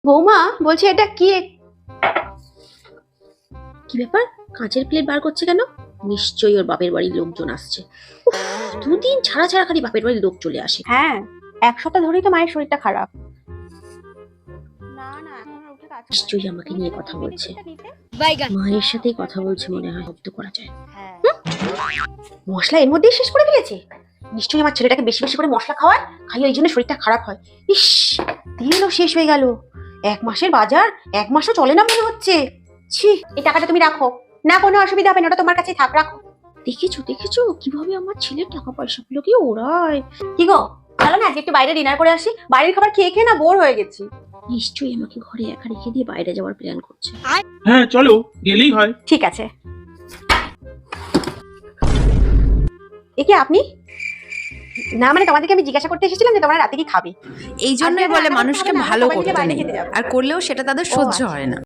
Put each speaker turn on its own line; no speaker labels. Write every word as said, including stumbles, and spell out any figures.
বৌমা বলছি এটা কি কি ব্যাপার? কাঁচের প্লেট বার করছে কেন? নিশ্চয়ই ওর বাপের বাড়ির লোকজন আসছে। দুদিন ছাড়া ছাড়া খালি বাপের বাড়ির লোক চলে আসে।
হ্যাঁ, এক সপ্তাহ ধরেই তো মায়ের শরীরটা খারাপ।
নিশ্চয়ই আমাকে নিয়ে কথা বলছে। মায়ের সাথেই কথা বলছে মনে হয়, শব্দ করা যায়। মশলা এর মধ্যেই শেষ করে ফেলেছে। নিশ্চয়ই আমার ছেলেটাকে বেশি বেশি করে মশলা খাওয়ায়, খাইয়ে ওই জন্য শরীরটা খারাপ হয়। ইস, তেলও শেষ হয়ে গেল। এক মাসের বাজার এক মাসও চলে না মনে হচ্ছে। ছি, এই টাকাটা তুমি রাখো না, কোনো অসুবিধা হবে না, ওটা তোমার কাছে থাক, রাখো। দেখেছো দেখেছো কিভাবে আমার ছেলের টাকা পয়সা গুলোকে ওড়ায়। কি গো, চলো না আজকে একটু বাইরে ডিনার করে আসি। বাইরের খাবার খেয়ে খেয়ে না বোর হয়ে গেছি। নিশ্চয়ই আমাকে ঘরে একা রেখে দিয়ে বাইরে যাওয়ার প্ল্যান করছে।
হ্যাঁ চলো, গেলেই হয়।
ঠিক আছে। এ কি আপনি? না মানে তোমাদেরকে আমি জিজ্ঞাসা করতে এসেছিলাম যে তোমরা রাতে কি খাবে।
এই জন্যই বলে মানুষকে ভালো করতে নেই, আর করলেও সেটা তাদের সহ্য হয় না।